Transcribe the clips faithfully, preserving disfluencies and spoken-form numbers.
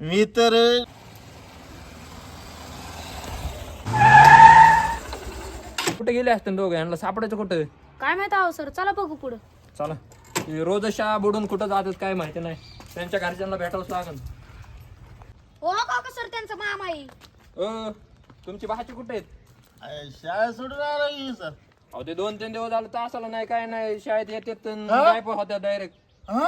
मी तर कुठे गेले असते दोघं यांना सापडायचं कुठं? काय माहित आहो सर, चला बघू पुढं. चला ते रोज शाळा बुडून कुठं जातात काय माहिती नाही. त्यांच्या घरच्यांना भेटावंच लागल. हो काका सर, त्यांचा मामा आहे. अ तुमची भाची कुठे आहेत? अय, शाळा सोडून आला की सर. अहो ते दोन तीन दिवस झालं तासाला नाही काय नाही शाळेत येतात गायब होत्या डायरेक्ट. हा?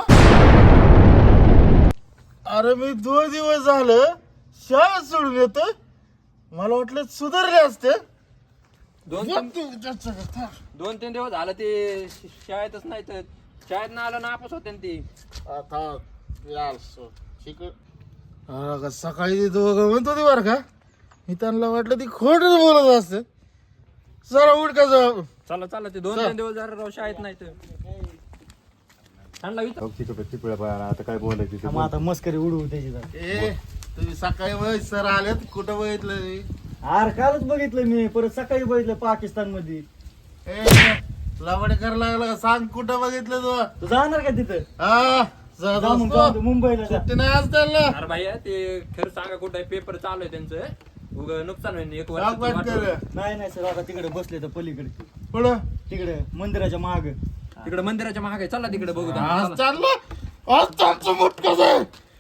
अरे मी दोन दिवस झालं शाळा सोडून येतो. मला वाटलं सुधारले असते. दोन तीन दोन तीन दिवस झालं ते श- शाळेतच नाही तर शाळेत ना आलं नापास होते ती. आता यार सो शिक अरे का सकाळी ते दोघं म्हणत होती बरं का, मी त्यांना वाटलं ती खोटच बोलत असते. जरा उठ का जाऊ. चला चला ते दोन तीन दिवस जरा राव शाळेत नाही तर त्यांना विचार. आता काय बोलायचं मग आता मस्करी उडवू त्याची जरा. ए तुम्ही सकाळी बघ सर आलेत, कुठं बघितलं मी? अरे कालच बघितलं मी, परत सकाळी बघितलं पाकिस्तान मध्ये. ए लवडे करायला लागला का? सांग कुठं बघितलं तू? तू जाणार का तिथं? हा जा जा मग, दोस्तो. जाऊ दे, मुंबईला जा. सुट्टी नाही आज त्यांना. अरे भैया ते खरं सांगा कुठं पेपर चालू आहे त्यांचं उग नुकसान होईल एक राग वाट वर्ष. कर. नाही नाही सर, आता तिकडे बसले तर पलीकडे, पुढं तिकडे मंदिराच्या माग. तिकडे मंदिराच्या महाग चला तिकडे बघू त्यांना, आज चला. चाललं आज त्यांचं मोठ कसं